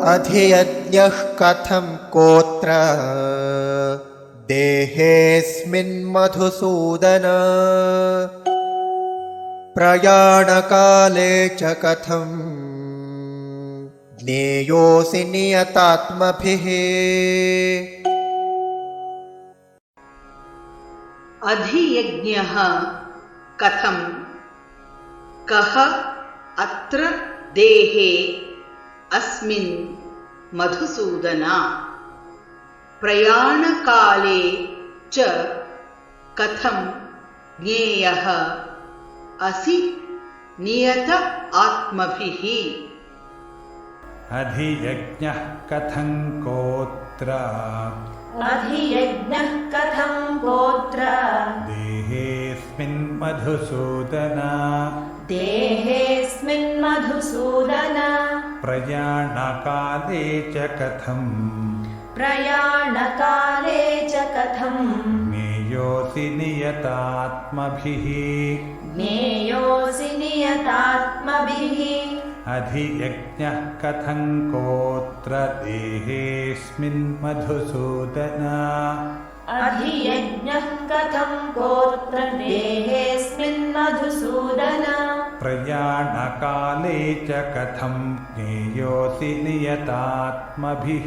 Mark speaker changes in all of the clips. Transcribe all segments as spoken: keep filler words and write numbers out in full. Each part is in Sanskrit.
Speaker 1: अधियज्ञः कथं कोत्र देहेऽस्मिन् मधुसूदन प्रयाणकाले च कथं ज्ञेयोऽसि नियतात्मभिः।
Speaker 2: अधियज्ञः कथं कः अत्र देहे अस्मिन् मधुसूदन प्रयाणकाले च कथं ज्ञेयः असि नियत आत्मभिः।
Speaker 3: अधियज्ञः कथं कोत्र
Speaker 4: अधियज्ञः कथं कोत्र
Speaker 3: देहेऽस्मिन् मधुसूदन
Speaker 4: देहेऽस्मिन् मधुसूदन
Speaker 3: प्रयाणकाले च कथं
Speaker 4: प्रयाणकाले च कथं
Speaker 3: ज्ञेयोऽसि नियतात्मभिः।
Speaker 4: ज्ञेयोऽसि नियतात्मभिः।
Speaker 3: अधियज्ञः कथं कोत्र देहेऽस्मिन् मधुसूदन
Speaker 4: अधियज्ञः कथं कोत्र देहेऽस्मिन् मधुसूदन
Speaker 3: प्रयाणकाले च कथं ज्ञेयोऽसि नियतात्मभिः।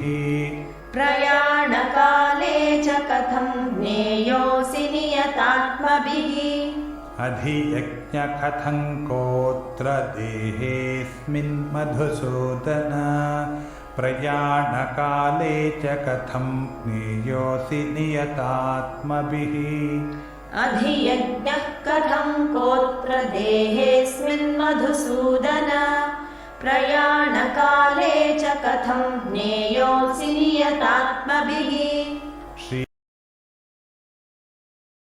Speaker 4: प्रयाणकाले च कथं ज्ञेयोऽसि नियतात्मभिः।
Speaker 3: अधियज्ञः कथं कोत्र देहेऽस्मिन् मधुसूदन प्रयाणकाले च कथं ज्ञेयोऽसि नियतात्मभिः।
Speaker 4: अधियज्ञः कथं कोत्र देहेऽस्मिन् मधुसूदन प्रयाणकाले च कथं ज्ञेयोऽसि नियतात्मभिः।